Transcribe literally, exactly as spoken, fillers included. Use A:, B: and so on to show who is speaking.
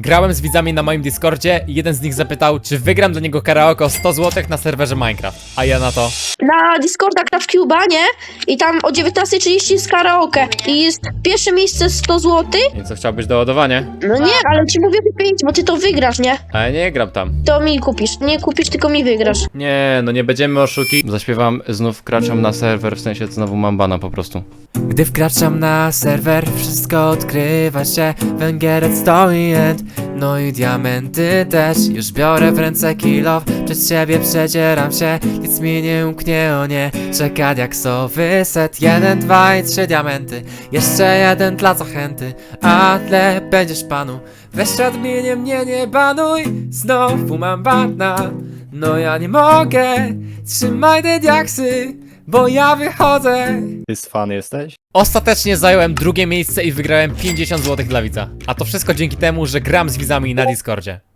A: grałem z widzami na moim Discordzie i jeden z nich zapytał, czy wygram dla niego karaoke o sto złotych na serwerze Minecraft. A ja na to...
B: Na Discorda gra w Cuba, nie? I tam o dziewiętnasta trzydzieści jest karaoke. I jest pierwsze miejsce sto złotych.
A: I co, chciałbyś doładowanie?
B: No nie, ale ci mówię pięć, bo ty to wygrasz, nie?
A: A ja nie gram tam.
B: To mi kupisz. Nie kupisz, tylko mi wygrasz.
A: Nie, no nie będziemy oszuki. Zaśpiewam, znów wkraczam na serwer, w sensie znowu mam bana po prostu. Gdy wkraczam na serwer, wszystko odkrywa się. Węgielec to i end, no i diamenty też. Już biorę w ręce kill-off, przez ciebie przedzieram się. Nic mi nie umknie, o nie, czeka diaksowy set. Jeden, dwa i trzy diamenty, jeszcze jeden dla zachęty. Ale będziesz panu, weź adminie mnie nie banuj. Znowu mam bana, no ja nie mogę. Trzymaj te diaksy, bo ja wychodzę.
C: Ty z fan jesteś?
A: Ostatecznie zająłem drugie miejsce i wygrałem pięćdziesiąt złotych dla widza. A to wszystko dzięki temu, że gram z widzami na Discordzie.